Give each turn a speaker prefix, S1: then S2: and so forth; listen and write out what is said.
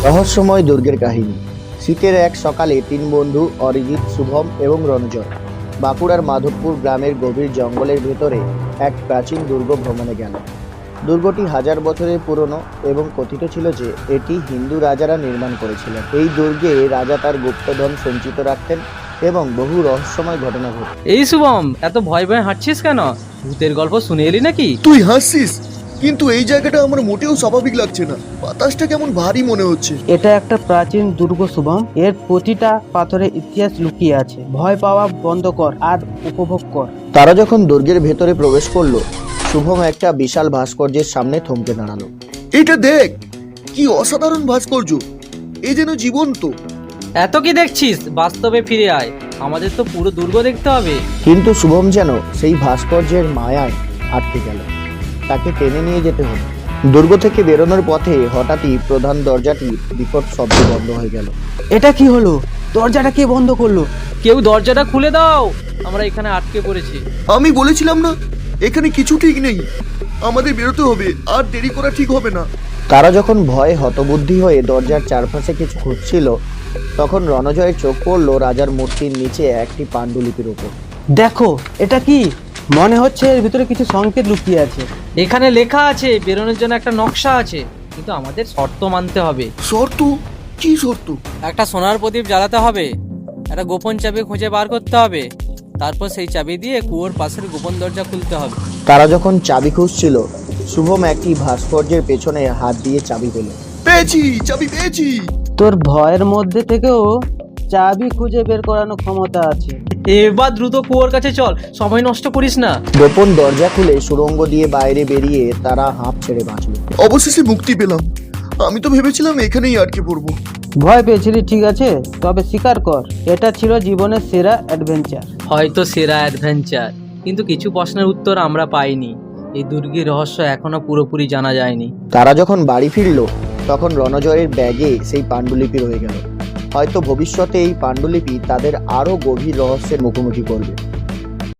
S1: রহস্যময় দুর্গের কাহিনী। শীতের এক সকালে তিন বন্ধু অরিজিৎ, শুভম এবং রণজয় বাঁকুড়ার মাধবপুর গ্রামের গভীর জঙ্গলের ভেতরে এক প্রাচীন দুর্গ ভ্রমণে গেল। দুর্গটি হাজার বছরের পুরনো এবং কথিত ছিল যে এটি হিন্দু রাজারা নির্মাণ করেছিলেন। এই দুর্গে রাজা তার গুপ্তধন সঞ্চিত রাখতেন এবং বহু রহস্যময় ঘটনা ঘটে।
S2: এই শুভম, এত ভয় ভয় হাঁটছিস কেন? ভূতের গল্প শুনে এলি নাকি?
S3: তুই হাসছিস, কিন্তু এই জায়গাটা আমার মোটেও স্বাভাবিক লাগছে না। বাতাসটা কেমন ভারী মনে হচ্ছে।
S4: এটা একটা প্রাচীন দুর্গ শুভম। এর প্রতিটা পাথরে ইতিহাস লুকিয়ে আছে। ভয় পাওয়া বন্ধ কর আর উপভোগ কর।
S1: তারা যখন দুর্গের ভেতরে প্রবেশ করলো, শুভম একটা বিশাল ভাস্কর্যের সামনে থমকে দাঁড়ালো।
S3: এটা দেখ, কি অসাধারণ ভাস্কর্য! এ যেন জীবন্ত।
S2: এত কি দেখছিস? বাস্তবে ফিরে আয়, আমাদের তো পুরো দুর্গ দেখতে হবে।
S1: কিন্তু শুভম যেন সেই ভাস্কর্যের মায়ায় আটকে গেল। তাকে টেনে নিয়ে যেতে হলো। দুর্গ থেকে বেরোনোর পথে হঠাৎই প্রধান দরজাটি বিকট শব্দে বন্ধ হয়ে গেল।
S4: এটা কি হলো? দরজাটা কে বন্ধ করলো?
S2: কেউ দরজাটা খুলে দাও, আমরা এখানে আটকে পড়েছি।
S3: আমি বলেছিলাম না, এখানে কিছু ঠিক নেই। আমাদের বেরোতে হবে, আর দেরি করা ঠিক হবে না।
S1: তারা যখন ভয়ে হতবুদ্ধি হয়ে দরজার চারপাশে কিছু খুঁজছিল, তখন রণজয়ের চোখ পড়ল রাজার মূর্তির নিচে একটি পাণ্ডুলিপির উপর।
S4: দেখো, এটা কি? মনে হচ্ছে এর ভিতরে কিছু সংকেত লুকিয়ে আছে।
S2: এখানে লেখা আছে বেরোনোর জন্য একটা নকশা আছে, কিন্তু আমাদের শর্ত মানতে হবে।
S3: শর্ত? কি শর্ত?
S2: একটা সোনার প্রদীপ জ্বালাতে হবে, একটা গোপন চাবি খুঁজে বার করতে হবে, তারপর সেই চাবি দিয়ে কুয়োর পাশের গোপন দরজা খুলতে হবে।
S1: তারা যখন চাবি খুঁজছিল, শুভম একটি ভাস্কর্যের পেছনে হাত দিয়ে চাবি পেল।
S3: পেয়েছি, চাবি পেয়েছি।
S4: তোর ভয়ের মধ্যে থেকেও চাবি খুঁজে বের করানোর ক্ষমতা আছে।
S2: এবার দ্রুত কুয়োর কাছে চল, সময় নষ্ট করিস না।
S1: গোপন দরজা খুলে সুড়ঙ্গ দিয়ে বাইরে বেরিয়ে তারা হাঁপ ছেড়ে বাঁচল।
S3: অবশেষে মুক্তি পেলাম। আমি তো ভেবেছিলাম এখানেই আটকে পড়বো।
S4: ভয় পেয়েছিলি, ঠিক আছে, তবে স্বীকার কর এটা ছিল জীবনের সেরা অ্যাডভেঞ্চার।
S2: হয়তো সেরা অ্যাডভেঞ্চার, কিন্তু কিছু প্রশ্নের উত্তর আমরা পাইনি। এই দুর্গের রহস্য এখনো পুরোপুরি জানা যায়নি।
S1: তারা যখন বাড়ি ফিরল, তখন রণজয়ের ব্যাগে সেই পাণ্ডুলিপি রয়ে গেল। হয়তো ভবিষ্যতে এই পাণ্ডুলিপি তাদের আরো গভীর রহস্যের মুখোমুখি করবে।